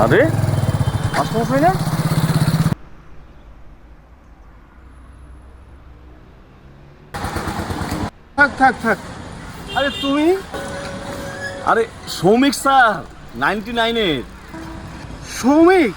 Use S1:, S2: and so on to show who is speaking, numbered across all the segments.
S1: আরে মাস্টারমশাই না?
S2: থাক থাক থাক। আরে তুমি?
S1: আরে সৌমিক স্যার, 99-এর।
S2: সৌমিক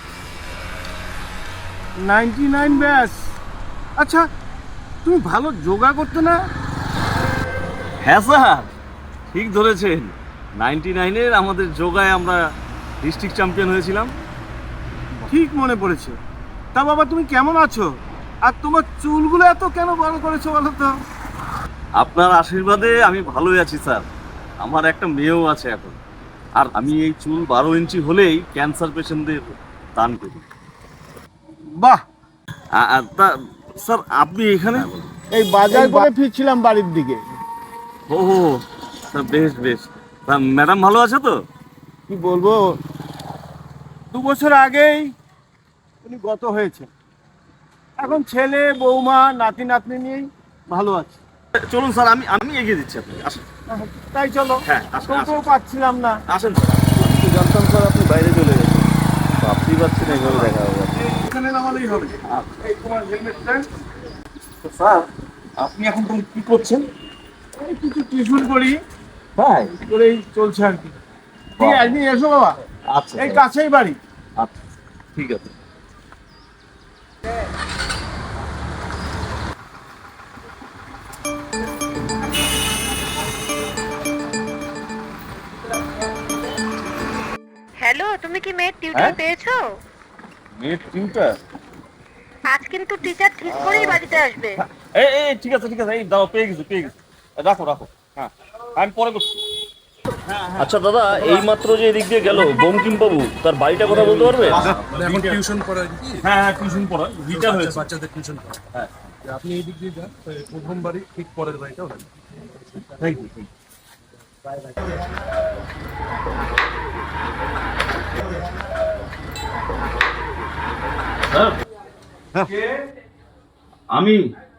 S2: 99 ব্যাস। আচ্ছা, তুমি ভালো যোগা করতে না?
S1: হ্যাঁ স্যার, ঠিক ধরেছেন। 99-এর আমাদের যোগায় আমরা ডিস্ট্রিক্ট চ্যাম্পিয়ন হয়েছিলাম।
S2: ঠিক মনে পড়েছে। তা বাবা, তুমি কেমন আছো? আর তোমার চুলগুলো এত কেন বড় করেছো বলো তো?
S1: আপনার আশীর্বাদে আমি ভালোই আছি স্যার। আমার একটা মেয়েও আছে এখন। আর আমি এই চুল 12 ইঞ্চি হলেই ক্যান্সার পেশেন্টদের দান করি।
S2: বাহ!
S1: তা স্যার আপনি এখানে?
S2: এই বাজার করে ফিরছিলাম বাড়ির দিকে।
S1: ও স্যার, বেশ বেশ। তা ম্যাডাম ভালো আছে তো?
S2: কি বলবো, 2 বছর আগেই উনি গত হয়েছে। এখন ছেলে বৌমা নাতি নাতনি নিয়েই ভালো আছে।
S1: চলুন স্যার, আমি আমি এগিয়ে দিচ্ছি আপনাকে। আসেন।
S2: তাই চলো।
S1: হ্যাঁ, আসুন,
S2: টোটো
S1: আসুন।
S2: পাচ্ছিলাম না।
S1: আসেন স্যার। আমি তো জানতাম স্যার আপনি বাইরে চলে গেছেন। ভাবতেই পারছি না এভাবে দেখা হবে।
S2: এখানে নামালেই হবে। এই তোমার হেলমেটটা।
S1: তো স্যার, আপনি এখন তাহলে কি করছেন?
S2: এই কিছু টিউশন করি,
S1: তাই?
S2: করেই চলছে আর কি। ঠিক আছে, একদিন এসো বাবা।
S1: আচ্ছা
S2: এই
S1: স্যার।
S2: কাছেই বাড়ি।
S1: আচ্ছা, ঠিক আছে।
S3: হ্যালো, তুমি কি মেয়ের টিউটর পেয়েছো?
S1: মেয়ের টিউটার?
S3: আজ কিন্তু টিচার ঠিক করেই বাড়িতে আসবে।
S1: এই ঠিক আছে ঠিক আছে, এই দাও, পেয়ে গেছি পেয়ে গেছি। রাখো রাখো। হ্যাঁ, আমি পরে করছি। আচ্ছা দাদা, এই মাত্র যে এদিক দিয়ে গেল বঙ্কিম বাবু, তার বাড়িটা কথা বলতে পারবে?
S4: এখন টিউশন পড়ায় কি?
S1: হ্যাঁ, টিউশন পড়া রিটার হয়েছে।
S4: বাচ্চাদের টিউশন পড়ায়।
S1: হ্যাঁ,
S4: আপনি এই দিক দিয়ে যান, প্রথম বাড়ি ঠিক পরের বাড়িটা ওখানে।
S1: Thank you. আমি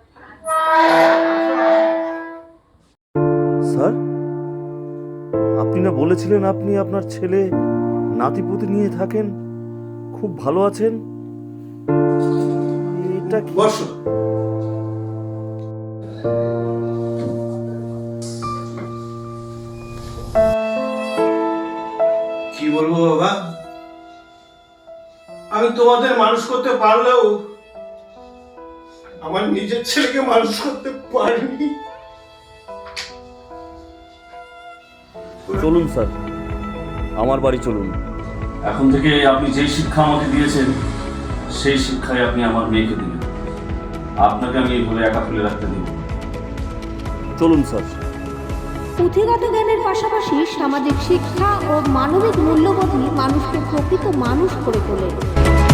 S1: স্যার, আপনি না বলেছিলেন আপনি আপনার ছেলে নাতিপুতি নিয়ে থাকেন, খুব ভালো আছেন? এটা কি?
S2: বসো। কি বলবো বাবা, আমি তোমাদের মানুষ করতে পারলেও আমার নিজের ছেলেকে মানুষ করতে পারিনি।
S1: চলুন স্যার, আমার বাড়ি চলুন। এখন থেকে আপনি যেই শিক্ষা আমাকে দিয়েছেন সেই শিক্ষাই আপনি আমার মেয়েকে দিবেন। আপনাকে আমি এইভাবে একা ফেলে রাখতে দিব। চলুন স্যার।
S5: পুঁথিগত জ্ঞানের পাশাপাশি সামাজিক শিক্ষা ও মানবিক মূল্যবোধই মানুষকে প্রকৃত মানুষ করে তোলে।